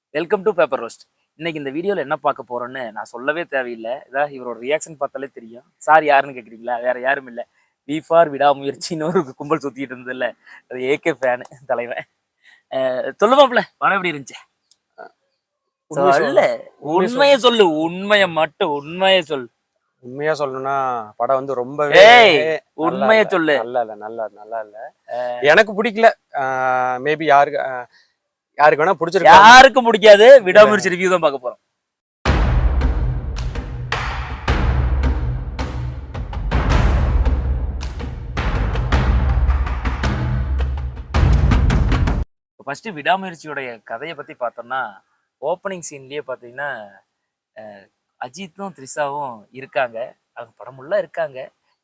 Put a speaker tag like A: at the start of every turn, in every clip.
A: Welcome to paper roast. இன்னைக்கு இந்த வீடியோவில் என்ன பார்க்க போறோம்னு நான் சொல்லவே தேவையில்லை. இதான் இவரோட ரியாக்ஷன் பார்த்தாலே தெரியும். சார் யாருன்னு கேட்குறீங்களா? வேற யாரும் இல்லை, வி ஃபார் விடாமுயற்சின்னு ஒரு கும்பல் சுத்திட்டு இருந்ததுல, அது ஏகே ஃபேனு தலைவன். சொல்லுவாப்ல படம் எப்படி இருந்துச்சு? உண்மையை சொல்லு, உண்மையை மட்டும் உண்மையை சொல்லு.
B: உண்மையா சொல்லணும்னா படம் வந்து ரொம்பவே
A: உண்மையை சொல்லு.
B: நல்லா இல்ல எனக்கு பிடிக்கல. மேபி யாருக்கு வேணா பிடிச்சிருக்கு,
A: யாருக்கும் பிடிக்காது. விடாமுயற்சி ரிவ்யூ தான் பார்க்க போறோம். ஃபர்ஸ்ட் விடாமுயற்சியோடைய கதையை பத்தி பார்த்தோம்னா, ஓப்பனிங் சீன்லயே பாத்தீங்கன்னா அஜித்தும் த்ரிஷாவும் இருக்காங்க. அவங்க படமுள்ள இருக்காங்க.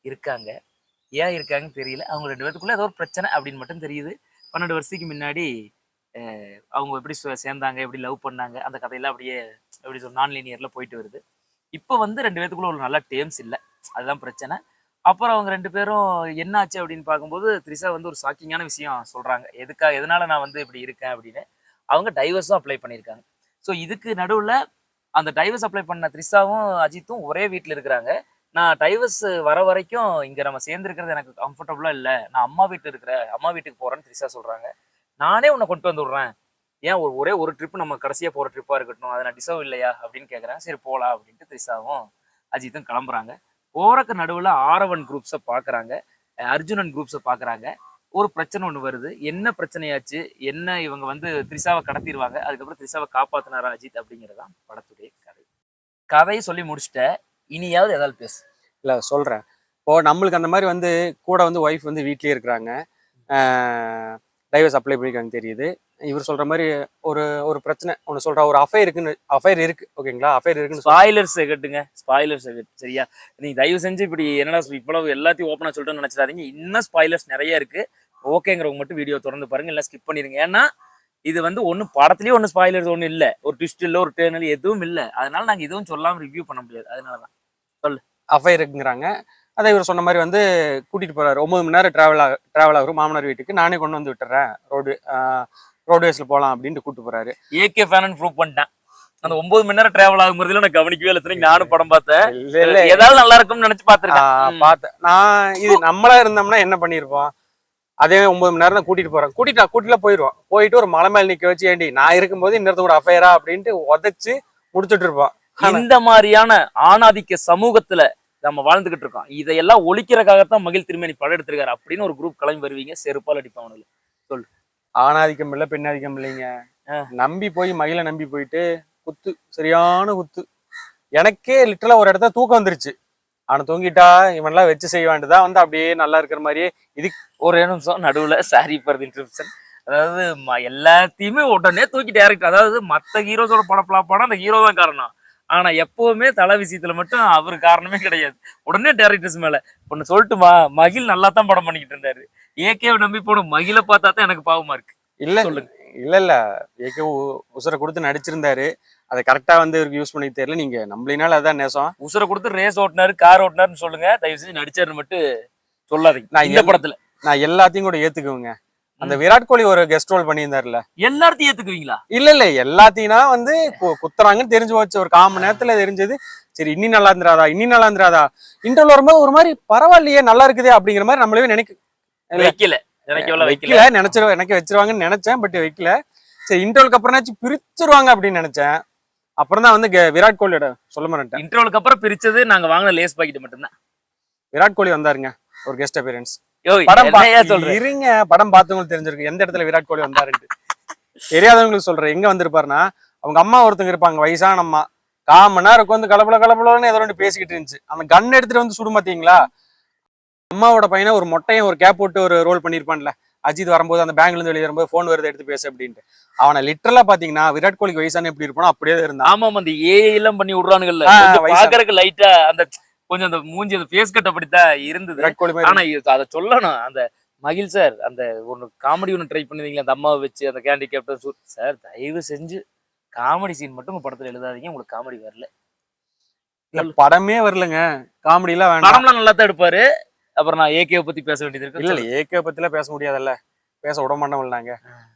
A: ஏன் இருக்காங்கன்னு தெரியல. அவங்க 2 பேத்துக்குள்ள ஏதோ ஒரு பிரச்சனை அப்படின்னு மட்டும் தெரியுது. 12 வருஷத்துக்கு முன்னாடி அவங்க எப்படி சேர்ந்தாங்க, எப்படி லவ் பண்ணாங்க, அந்த கதையெல்லாம் அப்படியே எப்படி நான் லீனியர்ல போயிட்டு வருது. இப்போ வந்து 2 பேத்துக்குள்ள ஒரு நல்ல டேர்ம்ஸ் இல்லை, அதுதான் பிரச்சனை. அப்புறம் அவங்க 2 பேரும் என்ன ஆச்சு அப்படின்னு பார்க்கும்போது, த்ரிஷா வந்து ஒரு ஷாக்கிங்கான விஷயம் சொல்றாங்க. எதனால நான் வந்து இப்படி இருக்கேன் அப்படின்னு. அவங்க டைவர்ஸும் அப்ளை பண்ணியிருக்காங்க. ஸோ இதுக்கு நடுவில் அந்த டைவர்ஸ் அப்ளை பண்ண த்ரிஷாவும் அஜித்தும் ஒரே வீட்டில் இருக்கிறாங்க. நான் டைவர்ஸ் வர வரைக்கும் இங்கே நம்ம சேர்ந்துருக்கிறது எனக்கு கம்ஃபர்டபுளா இல்லை, நான் அம்மா வீட்டுக்கு போறேன்னு த்ரிஷா சொல்றாங்க. நானே உன்னை கொண்டு வந்து விடுறேன், ஏன் ஒரே ஒரு ட்ரிப் நம்ம கடைசியா போற ட்ரிப்பா இருக்கட்டும், அதை நான் டிசர்வ் இல்லையா அப்படின்னு கேட்குறேன். சரி போலாம் அப்படின்ட்டு த்ரிஷாவும் அஜித்தும் கிளம்புறாங்க. போறக்கு நடுவில் ஆரவன் குரூப்ஸை பார்க்குறாங்க, அர்ஜுனன் குரூப்ஸை பார்க்குறாங்க. ஒரு பிரச்சனை ஒன்று வருது. என்ன பிரச்சனையாச்சு, என்ன இவங்க வந்து த்ரிஷாவை கடத்திடுவாங்க, அதுக்கப்புறம் த்ரிஷாவை காப்பாத்தினாரா அஜித் அப்படிங்கிறதான் படத்துடைய கதையை சொல்லி முடிச்சுட்ட. இனியாவது ஏதாவது பேசு.
B: இல்லை சொல்கிறேன். இப்போ நம்மளுக்கு அந்த மாதிரி வந்து கூட வந்து ஒய்ஃப் வந்து வீட்லேயே இருக்கிறாங்க, டைவர்ஸ் அப்ளை பண்ணிக்காங்க தெரியுது. இவர் சொல்ற மாதிரி ஒரு பிரச்சனை ஒன்று சொல்றா, ஒரு அஃபைர் இருக்கு ஓகேங்களா? அஃபைர் இருக்குன்னு
A: ஸ்பாயிலர்ஸ் கட்டுங்க, ஸ்பாயிலர்ஸ் சரியா? நீங்க தயவு செஞ்சு இப்படி என்னடா இவ்வளவு எல்லாத்தையும் ஓப்பனா சொல்லிட்டு நினைச்சிடாதீங்க. இன்னும் ஸ்பாயிலர்ஸ் நிறைய இருக்கு. ஓகேங்கிறவங்க மட்டும் வீடியோ தொடர்ந்து பாருங்க, இல்லை ஸ்கிப் பண்ணிடுங்க. ஏன்னா இது வந்து ஒன்றும் படத்துலயே ஒன்றும் ஸ்பாயிலர்ஸ் ஒன்றும் இல்லை, ஒரு ட்விஸ்ட் இல்லை, ஒரு டேர்னல் எதுவும் இல்லை. அதனால நாங்கள் எதுவும் சொல்லாமல் ரிவ்யூ பண்ண முடியாது. அதனாலதான் சொல்லு.
B: அஃபைர் இருக்குங்கிறாங்க. அதை இவர் சொன்ன மாதிரி வந்து கூட்டிட்டு போறாரு. 9 மணி நேரம் டிராவல் ஆகும் மாமனார் வீட்டுக்கு. நானே கொண்டு வந்து விட்டுறேன், ரோட்வேஸ்ல போலாம் அப்படின்ட்டு கூட்டு போறாரு.
A: ஏகே ஃபேன் ப்ரூவ் பண்ணிட்டேன். அந்த 9 மணி நேரம் டிராவல் ஆகும்போதுல நான் கவனிக்கவே இல்லை. நானும் படம் பார்த்தேன், ஏதாவது நல்லா இருக்கும்னு நினைச்சு பார்த்தேன்.
B: நான் இது நம்மளா இருந்தோம்னா என்ன பண்ணிருப்போம்? அதே 9 மணி நேரம் தான் கூட்டிட்டு போறேன், கூட்டில போயிடுவோம். போயிட்டு ஒரு மலை மேல நிக்க வச்சு, ஏண்டி நான் இருக்கும்போது இன்னொருத்த கூட அஃபைரா அப்படின்ட்டு உதச்சு முடிச்சுட்டு இருப்போம்.
A: இந்த மாதிரியான ஆணாதிக்க சமூகத்துல நம்ம வாழ்ந்துகிட்டு இருக்கோம். இதையெல்லாம் ஒழிக்கிறதுக்காகத்தான் மகிழ் திருமேனி படம் எடுத்திருக்காரு அப்படின்னு ஒரு குரூப் கிளம்பி வருவீங்க, செருப்பால் அடிப்பாங்க. சொல்லு.
B: ஆணாதிக்கம் இல்லை, பெண்ணாதிக்கம் இல்லைங்க. நம்பி போய் மகிழ நம்பி போயிட்டு குத்து, சரியான குத்து. எனக்கே லிட்டரலா ஒரு இடத்துல தூக்கம் வந்துருச்சு. அவனை தூங்கிட்டா இவன்லாம் வச்சு செய்ய வேண்டியதான் வந்து அப்படியே நல்லா இருக்கிற மாதிரியே. இது
A: ஒரு நிமிஷம் நடுவுல சாரி ஃபார் தி இன்டரப்ஷன். அதாவது எல்லாத்தையுமே உடனே தூக்கி டைரக்ட், அதாவது மற்ற ஹீரோஸோட படம் அந்த ஹீரோ தான் காரணம். ஆனா எப்பவுமே தலை விஷயத்துல மட்டும் அவர் காரணமே கிடையாது. உடனே டைரக்டர்ஸ் மேல ஒன்னு சொல்லட்டுமா, மகிழ் நல்லா தான் படம் பண்ணிக்கிட்டு இருந்தாரு. ஏகேவை நம்பி போன மகிழ பார்த்தா தான் எனக்கு பாவமா இருக்கு.
B: இல்ல சொல்லுங்க. இல்ல ஏகே உசுரை கொடுத்து நடிச்சிருந்தாரு, அதை கரெக்டா வந்து இவருக்கு யூஸ் பண்ணி தெரியல. நீங்க நம்மளினால அதான் நேசம்.
A: உசுரை கொடுத்து ரேஸ் ஓட்டினாரு, கார் ஓட்டினாருன்னு சொல்லுங்க, தயவு செஞ்சு நடிச்சாருன்னு மட்டும் சொல்லாதீங்க. நான் இந்த படத்துல
B: நான் எல்லாத்தையும் கூட ஏத்துக்குவேங்க. அந்த விராட் கோலி ஒரு கெஸ்ட் ரோல் பண்ணியிருந்தாருல,
A: எல்லாத்தையும் ஏத்துக்குவீங்களா?
B: இல்ல எல்லாத்தையும் வந்து குத்துறாங்கன்னு தெரிஞ்சு வச்சு ஒரு 1/4 மணி நேரத்துல தெரிஞ்சது. சரி இன்னி நல்லா இருந்துராதா இன்டர்வல் வரும்போது ஒரு மாதிரி பரவாயில்லையே நல்லா இருக்குதே அப்படிங்கிற மாதிரி நம்மளவே
A: வைக்கல
B: எனக்கு வச்சிருவாங்கன்னு நினைச்சேன். பட் வைக்கல. சரி இன்டர்வலுக்கு அப்புறம் பிரிச்சிருவாங்க அப்படின்னு நினைச்சேன். அப்புறம் தான் வந்து விராட் கோலியோட சொல்ல மாட்டேன்.
A: இன்டர்வலுக்கு அப்புறம் பிரிச்சது நாங்க வாங்கின லேஸ் பாக்கெட் மட்டும்தான்.
B: விராட் கோலி வந்தாருங்க, ஒரு கெஸ்ட் அப்பியரன்ஸ்.
A: படம்
B: இருங்க, படம் பார்த்தவங்களுக்கு தெரிஞ்சிருக்கு எந்த இடத்துல விராட் கோலி வந்தாருன்னு. தெரியாதவங்களுக்கு சொல்றேன். எங்க வந்திருப்பாருன்னா, அவங்க அம்மா ஒருத்தங்க இருப்பாங்க, வயசான அம்மா. 1/4 மணி நேரம் வந்து கலப்பலன்னு ஏதோ ஒன்று பேசிக்கிட்டு இருந்துச்சு. அந்த கன் எடுத்துட்டு வந்து சுடும் பாத்தீங்களா? அம்மாவோட பையனை ஒரு மொட்டையும் ஒரு கேப் போட்டு ஒரு ரோல் பண்ணிருப்பான்ல, அஜித் வரும்போது அந்த பேங்க்ல இருந்து வெளியே வரும்போது போன் வருது எடுத்து பேச அப்படின்ட்டு. அவனை லிட்டரலா பாத்தீங்கன்னா விராட் கோலிக்கு வயசான எப்படி இருப்பானோ அப்படியே இருந்தான்.
A: ஆமா, அந்த ஏஐ எல்லாம் பண்ணி விடுறானுங்கல்ல, பாக்குறதுக்கு லைட்டா அந்த கொஞ்சம் அந்த மூஞ்சி அந்த ஃபேஸ் கட் அப்படித்தான் இருந்தது. ஆனா அதை சொல்லணும், அந்த மகிழ் சார் அந்த ஒன்னு காமெடி ஒன்று ட்ரை பண்ணுவீங்களா, அந்த அம்மாவை வச்சு அந்த கேண்டி கேப்டன் சார், தயவு செஞ்சு காமெடி சீன் மட்டும் உங்க படத்துல எழுதாதீங்க, உங்களுக்கு காமெடி வரல.
B: படமே வரலங்க, காமெடி எல்லாம் வேண்டாம்.
A: படம்லாம் நல்லா தான் எடுப்பாரு. அப்புறம் நான் ஏகேவை பத்தி பேச வேண்டியது இருக்கு.
B: இல்ல ஏகே பத்திலாம் பேச முடியாதுல்ல, பேச விட மாட்டோம் நாங்க.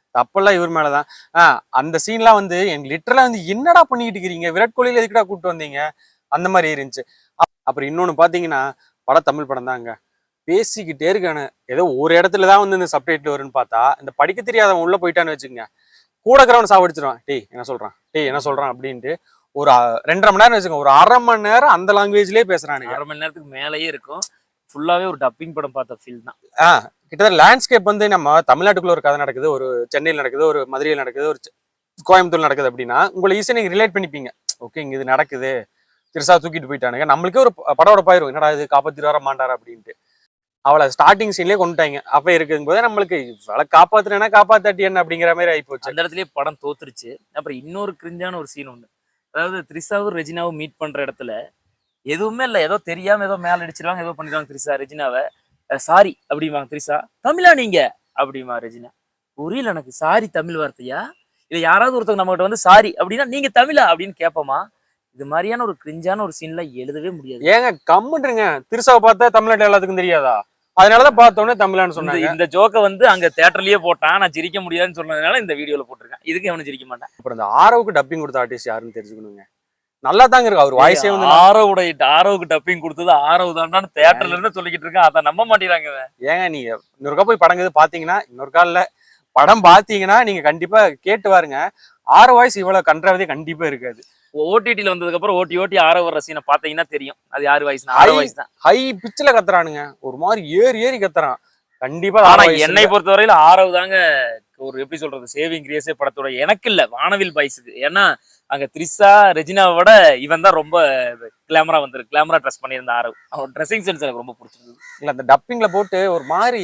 B: தப்பெல்லாம் இவர் மேலதான். அந்த சீன்லாம் வந்து எனக்கு லிட்டரலா வந்து என்னடா பண்ணிக்கிட்டு இருக்கிறீங்க, விராட் கோலியில எதுக்குடா கூப்பிட்டு வந்தீங்க, அந்த மாதிரி இருந்துச்சு. அப்புறம் இன்னொன்னு பாத்தீங்கன்னா, படம் தமிழ் படம் தாங்க, பேசிக்கிட்டே இருக்கானு. ஏதோ ஒரு இடத்துலதான் வந்து இந்த சப்டைட்டில் வரும்னு பார்த்தா, இந்த படிக்க தெரியாதவன் உள்ள போயிட்டான்னு வச்சுக்கோங்க, கூட இருக்கிறவன் சாவடிச்சிருவான். டேய் என்ன சொல்றான், டேய் என்ன சொல்றான் அப்படின்ட்டு ஒரு 2.5 மணி நேரம் வச்சுக்கோங்க, ஒரு 1/2 மணி நேரம் அந்த லாங்குவேஜ்லயே பேசுறானுங்க.
A: 1/2 மணி நேரத்துக்கு மேலேயே இருக்கும். ஃபுல்லாவே ஒரு டப்பிங் படம் பார்த்த ஃபீல் தான்.
B: கிட்டத்தட்ட லேண்ட்ஸ்கேப் வந்து நம்ம தமிழ்நாட்டுக்குள்ள ஒரு கதை நடக்குது, ஒரு சென்னையில் நடக்குது, ஒரு மதுரையில் நடக்குது, ஒரு கோயம்புத்தூர் நடக்குது அப்படின்னா உங்களை ஈஸியா நீங்க ரிலேட் பண்ணிப்பீங்க. ஓகே, இங்க இது நடக்குது, திருசா தூக்கிட்டு போயிட்டானுங்க, நம்மளுக்கே ஒரு படம் பாயிரும், என்னடா இது காப்பாத்திட்டு வர மாட்டாரா அப்படின்ட்டு. அவளை ஸ்டார்டிங் சீன்லயே கொண்டுட்டாங்க. அப்ப இருக்கும் போதே நம்மளுக்கு இவளை காப்பாத்துறேன்னா காப்பாத்தாட்டி என்ன அப்படிங்கிற மாதிரி ஆயிப்போச்சு.
A: அந்த இடத்துலயே படம் தோத்துருச்சு. அப்புறம் இன்னொரு கிரிஞ்சான ஒரு சீன் ஒண்ணு, அதாவது த்ரிஷாவும் ரெஜினாவும் மீட் பண்ற இடத்துல எதுவுமே இல்ல, ஏதோ தெரியாம ஏதோ மேல அடிச்சிருவாங்க, ஏதோ பண்ணிடுவாங்க த்ரிஷா ரெஜினாவை. சாரி அப்படிம்பாங்க த்ரிஷா. தமிழா நீங்க அப்படிமா ரெஜினா. புரியல எனக்கு, சாரி தமிழ் வார்த்தையா, இல்ல யாராவது ஒருத்தவங்க நம்ம கிட்ட வந்து சாரி அப்படின்னா நீங்க தமிழா அப்படின்னு கேட்போமா? இது மாதிரியான ஒரு கிரிஞ்சான ஒரு சீன்ல எழுதவே முடியாது.
B: ஏங்க கம்முன்றீங்க, திருசாவை பார்த்தா தமிழ்நாட்டு எல்லாத்துக்கும் தெரியாதா? அதனாலதான் பார்த்தோன்னே தமிழான்னு சொன்னாங்க.
A: இந்த ஜோக்க வந்து அங்க தியேட்டர்லயே போட்டான், நான் சிரிக்க முடியாதுன்னு சொன்னதுனால இந்த வீடியோல போட்டிருக்கேன். இதுக்கு அவனு சிரிக்க மாட்டேன்.
B: அப்புறம் இந்த ஆரோவுக்கு டப்பிங் கொடுத்த ஆர்டிஸ்ட் யாருன்னு தெரிஞ்சுக்கணுங்க. நல்லா தாங்க இருக்கு அவர் வாய்ஸே வந்து.
A: ஆரோவுக்கு டப்பிங் கொடுத்தது ஆரவ் தான்டான்னு தியேட்டர்ல இருந்து சொல்லிக்கிட்டு இருக்கேன், அதை நம்ப மாட்டேங்கிறாங்க.
B: ஏங்க நீங்க இன்னொருக்கா போய் படம் பாத்தீங்கன்னா, இன்னொரு காலில் படம் பாத்தீங்கன்னா நீங்க கண்டிப்பா கேட்டு பாருங்க, ஆரோ வாய்ஸ் இவ்வளவு கன்றாவதே கண்டிப்பா இருக்காது.
A: ஓடிடில வந்ததுக்கு அப்புறம் ஓட்டி ஆரவ் வர சீனை பாத்தீங்கன்னா தெரியும் அது யாரு வாய்ஸ். ஆரவ் வாய்ஸ் தான்.
B: ஹை பிச்சில கத்துறானுங்க, ஒரு மாதிரி ஏறி கத்துறான் கண்டிப்பா.
A: ஆனா என்னை பொறுத்தவரையில ஆரவ் தாங்க ஒரு எப்படி சொல்றது சேவிங் கிரேஸே படத்தோட. எனக்கு இல்ல, வானவில் பாய்ஸுக்கு. ஏன்னா அங்க த்ரிஷா ரெஜினாவை விட இவன் தான் ரொம்ப கிளாமரா ட்ரெஸ் பண்ணியிருந்த ஆரவ். அவன் ட்ரெஸ்ஸிங் சென்ஸ் எனக்கு ரொம்ப பிடிச்சிருந்தது.
B: இல்ல அந்த டப்பிங்ல போட்டு ஒரு மாதிரி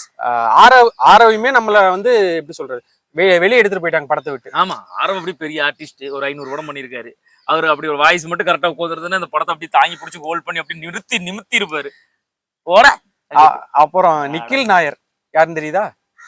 B: ஆரவையுமே நம்மள வந்து எப்படி சொல்றது வெளியே எடுத்துட்டு போயிட்டாங்க படத்தை விட்டு.
A: ஆமா, ஆரவ் அப்படி பெரிய ஆர்டிஸ்ட், ஒரு 500 படம் பண்ணியிருக்காரு. அவர் அப்படி ஒரு வாய்ஸ் மட்டும் கரெக்டா உட்காந்துருதுன்னு அந்த படத்தை அப்படி தாங்கி பிடிச்சி ஹோல்ட் பண்ணி அப்படி நிமித்தி இருப்பாரு.
B: அப்புறம் நிக்கில் நாயர் யாருன்னு தெரியுதா?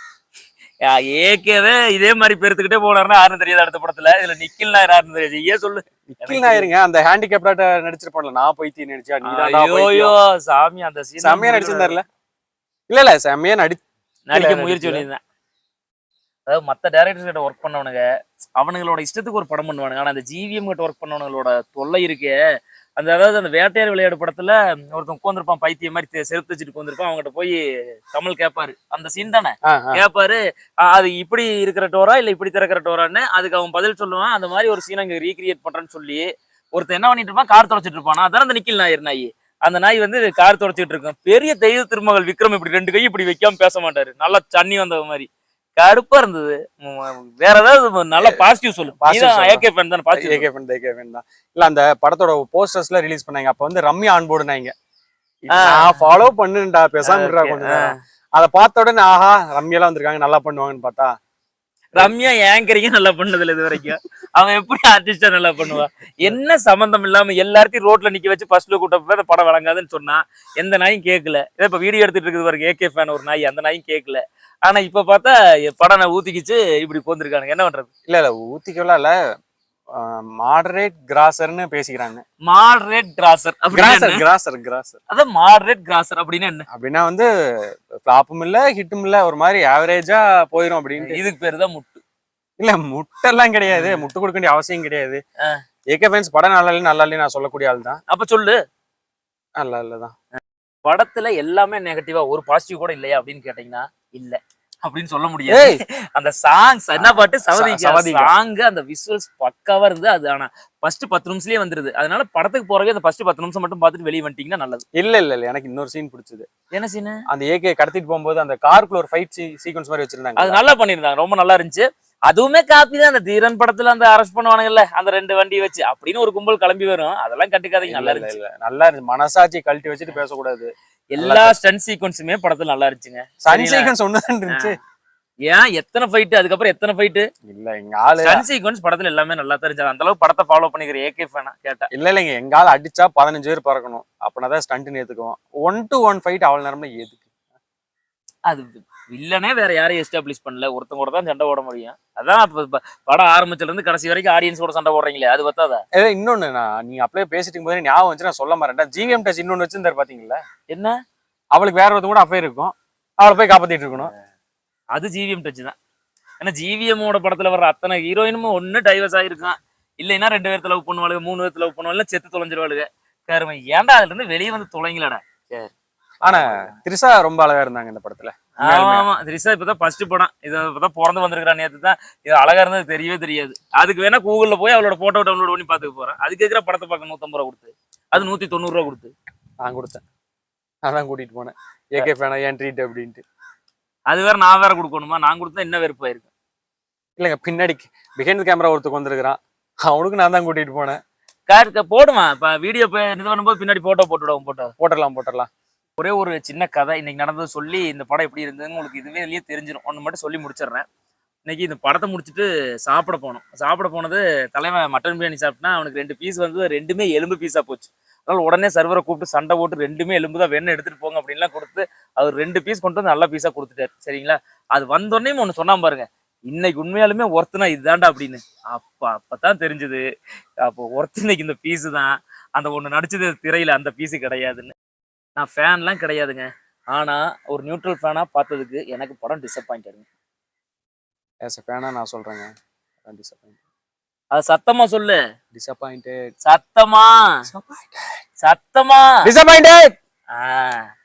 A: ஏற்கனவே இதே மாதிரி பெருத்துக்கிட்டே போனாருன்னா யாருன்னு தெரியாது அடுத்த படத்துல. இதுல நிக்கில் நாயர் யாருன்னு தெரியாது, ஏன் சொல்லு.
B: நிக்கில் நாயருங்க அந்த ஹேண்டிகேப்டாட்ட நடிச்சிருப்பான்ல, நான் போய் நினைச்சா
A: ஐயோ சாமி, அந்த சீன்
B: செம்மையா நடிச்சிருந்தாருல. இல்ல செம்மையா
A: நடிக்க முயற்சி பண்ணியிருந்தேன். அதாவது மற்ற டேரக்டர்ஸ் கிட்ட ஒர்க் பண்ணவனுங்க அவனுங்களோட இஷ்டத்துக்கு ஒரு படம் பண்ணுவானுங்க. ஆனா அந்த ஜிவிஎம் கிட்ட ஒர்க் பண்ணவனுங்களோட தொல்லை இருக்கே. அதாவது அந்த வேட்டையார் விளையாடு படத்துல ஒருத்தன் உட்காந்துருப்பான், பைத்திய மாதிரி செருப்பு வச்சுட்டு உட்காந்துருப்பான். அவங்ககிட்ட போய் கமல் கேட்பாரு, அந்த சீன் தானே கேட்பாரு, அது இப்படி இருக்கிற டோரா இல்ல இப்படி திறக்கிற டோரான்னு. அதுக்கு அவன் பதில் சொல்லுவான். அந்த மாதிரி ஒரு சீன் அங்க ரீக்ரியேட் பண்றேன்னு சொல்லி ஒருத்தன் என்ன பண்ணிட்டு இருப்பான், கார் தொடச்சிட்டு இருப்பான். அதான் அந்த நிக்கில் நாயர் நாய். அந்த நாய் வந்து கார் தொடச்சிட்டு இருக்கும். பெரிய தெய்வ திருமகள் விக்ரம் இப்படி 2 கை இப்படி வைக்காம பேச மாட்டாரு, நல்லா தண்ணி வந்த மாதிரி கடுப்பா இருந்தது. வேற ஏதாவது நல்ல பாசிட்டிவ் சொல்லு. ஏகே ஃபேன் தான்,
B: ஏகே ஃபேன் தான். இல்ல அந்த படத்தோட போஸ்டர்ஸ்ல ரிலீஸ் பண்ணாங்க, அப்ப வந்து ரம்யா ஆன் போர்டுனாங்க. நான் ஃபாலோ பண்ணுடா பேசாம இருடா கொஞ்சம். அத பார்த்த உடனே ஆஹா ரம்யாலாம் வந்திருக்காங்க நல்லா பண்ணுவாங்கன்னு பார்த்தா,
A: ரம்யா ஆங்கரிங்க நல்லா பண்ணதுல இது வரைக்கும். அவன் எப்படி ஆர்டிஸ்டா நல்லா பண்ணுவா? என்ன சம்பந்தம் இல்லாம எல்லாத்தையும் ரோட்ல நிக்க வச்சு ஃபர்ஸ்ட்ல கூட்ட போய் அந்த படம் வழங்காதுன்னு சொன்னா எந்த நாயும் கேட்கல. இதை இப்ப வீடியோ எடுத்துட்டு இருக்குது பாருங்க ஏகே ஃபேன் ஒரு நாய், அந்த நாயும் கேட்கல. ஆனா இப்ப பார்த்தா படம் ஊத்திக்கிச்சு இப்படி போந்திருக்கானுங்க, என்ன பண்றது?
B: இல்ல ஊத்திக்கலாம் இல்ல, மாடரேட் கிராசர்னு பேசிக்கிறாங்க.
A: மாடரேட் கிராசர் அதான் மாடரேட் கிராசர் அப்படின்னா என்ன?
B: அப்படின்னா வந்து ஃபிளாப்பும் இல்ல ஹிட்டும் இல்ல, ஒரு மாதிரி ஆவரேஜா போயிடும் அப்படின்னு.
A: இதுக்கு பேரு தான் முட்டு.
B: இல்ல முட்டெல்லாம் கிடையாது, முட்டு கொடுக்க வேண்டிய அவசியம் கிடையாது. ஏகே ஃபேன்ஸ் படம் நல்லா இல்ல நான் சொல்லக்கூடிய ஆள் தான்.
A: அப்ப சொல்லு
B: நல்லா இல்லதான்.
A: படத்துல எல்லாமே நெகட்டிவா ஒரு பாசிட்டிவ் கூட இல்லையா அப்படின்னு கேட்டீங்கன்னா இல்ல அப்படின்னு சொல்ல முடியாது. அந்த சாங்ஸ் என்ன பாட்டு சவதி சாங், அந்த விசுவல்ஸ் பக்காவா இருந்து அது. ஆனா ஃபர்ஸ்ட் 10 நிமிஷத்துலயே வந்துருது. அதனால படத்துக்கு போறவே அந்த ஃபர்ஸ்ட் 10 நிமிஷம் மட்டும் பார்த்துட்டு வெளியே வந்துட்டீங்கன்னா நல்லது.
B: இல்ல எனக்கு இன்னொரு சீன் பிடிச்சது.
A: என்ன சீன்?
B: அந்த ஏகே கடத்திட்டு போகும்போது அந்த காருக்குள்ள ஒரு ஃபைட் சீக்வன்ஸ் மாதிரி வச்சிருந்தாங்க,
A: அது நல்லா பண்ணிருந்தாங்க, ரொம்ப நல்லா இருந்துச்சு. அதுவுமே காப்பி தான். அந்த தீரன் படத்துல அந்த அரெஸ்ட் பண்ணுவானுங்கல்ல அந்த 2 வண்டியை வச்சு அப்படின்னு ஒரு கும்பல் கிளம்பி வரும், அதெல்லாம் கட்டுக்காதீங்க. நல்லா இருந்துச்சு,
B: நல்லா இருந்துச்சு. மனசாட்சி கழட்டி வச்சுட்டு பேசக்கூடாது.
A: எல்லா ஸ்டன் சீக்வன்ஸுமே படத்துல நல்லா இருந்துச்சுங்க.
B: ஸ்டன் சீக்வன்ஸ் ஒண்ணுதான் இருந்துச்சு.
A: ஏன் எத்தனை ஃபைட், அதுக்கப்புறம் எத்தனை ஃபைட்
B: இல்ல எங்க ஆளு
A: ஸ்டன் சீக்வன்ஸ் படத்துல எல்லாமே நல்லா தெரிஞ்சது. அந்த அளவுக்கு படத்தை ஃபாலோ பண்ணிக்கிற ஏகே ஃபேனா கேட்டா
B: இல்லைங்க, எங்க ஆள் அடிச்சா 15 பேர் பறக்கணும், அப்படின்னாதான் ஸ்டண்ட் ஏத்துக்குவோம். 1-to-1 ஃபைட் அவ்வளவு நேரம்ல எதுக்கு?
A: அது வில்லனே வேற யாரையும் எஸ்டாப்ளிஷ் பண்ணல, ஒருத்தங்க கூட தான் சண்டை போட முடியும். அதான் படம் ஆரம்பிச்சதுல இருந்து கடைசி வரைக்கும் ஆடியன்ஸோட சண்டை போடுறீங்களே, அது பத்தாதா?
B: இன்னொன்னு நீங்க அப்படியே பேசிட்டு போது ஞாபகம் வச்சு நான் சொல்ல மாட்டேன். ஜிவிஎம் டச் இன்னொன்னு வச்சிருந்தாரு பாத்தீங்களா?
A: என்ன?
B: அவளுக்கு வேற ஒருத்தங்க கூட அஃபேர் இருக்கும், அவளை போய் காப்பாத்திட்டு இருக்கணும்.
A: அது ஜிவிஎம் டச் தான். ஏன்னா ஜிவிஎம்மோட படத்துல வர்ற அத்தனை ஹீரோயினும் ஒண்ணு டைவர்ஸ் ஆயிருக்கான், இல்லைன்னா 2 பேர்த்த லவ் பண்ணுவாளுங்க, 3 பேர்த்த லவ் பண்ணுவாங்க, செத்து தொலைஞ்சிருவாளுங்க. கருமை ஏன்டா அதுல இருந்து வெளியே வந்து தொலைங்களாடா.
B: ஆனா திரிஷா ரொம்ப அழகா இருந்தாங்க இந்த படத்துல.
A: ஆமா ஆமா, திரிஷா இப்பதான் ஃபர்ஸ்ட் படம், இது இப்பதான் பிறந்து வந்திருக்கிறான். நேத்து தான் இது அழகா இருந்தது தெரியவே தெரியாது. அதுக்கு வேணா கூகுள்ல போய் அவளோட போட்டோ டவுன்லோட் பண்ணி பாத்துக்க போறேன். அதுக்கு இருக்கிற படத்தை பார்க்க 150 ரூபா கொடுத்து, அது 190 ரூபா கொடுத்து
B: நான் கொடுத்தேன். அதான் கூட்டிட்டு போனேன் ஏகே ஃபேனா ஏன் ட்ரீட் அப்படின்ட்டு.
A: அது வேற நான் வேற கொடுக்கணுமா? நான் கொடுத்தா என்ன வெறுப்பாயிருக்கும்.
B: இல்லைங்க, பின்னாடி பிஹைண்ட் கேமரா ஒருத்தருக்கு வந்திருக்கிறான், அவனுக்கு நான் தான் கூட்டிட்டு போனேன்.
A: போடுமா இப்ப வீடியோ இது பண்ணும்போது பின்னாடி போட்டோ போட்டுவிடுவோம்.
B: போட்டுடலாம்.
A: ஒரே ஒரு சின்ன கதை இன்னைக்கு நடந்தது சொல்லி இந்த படம் எப்படி இருந்ததுன்னு உங்களுக்கு இதுவே தெரிஞ்சிடும். ஒன்று மட்டும் சொல்லி முடிச்சிடுறேன். இன்னைக்கு இந்த படத்தை முடிச்சுட்டு சாப்பிட போனது தலைவன் மட்டன் பிரியாணி சாப்பிட்டா அவனுக்கு 2 பீஸ் வந்து 2மே எலும்பு பீஸா போச்சு. அதனால உடனே சர்வரை கூப்பிட்டு சண்டை போட்டு 2மே எலும்பு தான் வேணும் எடுத்துட்டு போங்க அப்படின்லாம் கொடுத்து அவர் 2 பீஸ் கொண்டு வந்து நல்ல பீஸா கொடுத்துட்டாரு. சரிங்களா? அது வந்தோடனே ஒன்று சொன்னா பாருங்க, இன்னைக்கு உண்மையாலுமே ஒர்த்துனா இதுதான்டா அப்படின்னு. அப்பதான் தெரிஞ்சது, அப்போ ஒர்த்து இன்னைக்கு இந்த பீஸு தான். அந்த ஒன்று நடிச்சது திரையில அந்த பீஸு கிடையாதுன்னு. நான் ஃபேன்லாம் கிடையாதுங்க, ஆனா ஒரு நியூட்ரல் ஃபேனா பார்த்ததுக்கு எனக்கு படம் டிசப்பாயிண்ட் ஆகுங்க.
B: ஆஸ் எ ஃபேனா நான் சொல்றேங்க, டிசப்பாயிண்ட்.
A: அது சத்தமா சொல்லு.
B: டிசப்பாயிண்டட்.
A: சத்தமா.
B: டிசப்பாயிண்டட்.
A: ஆ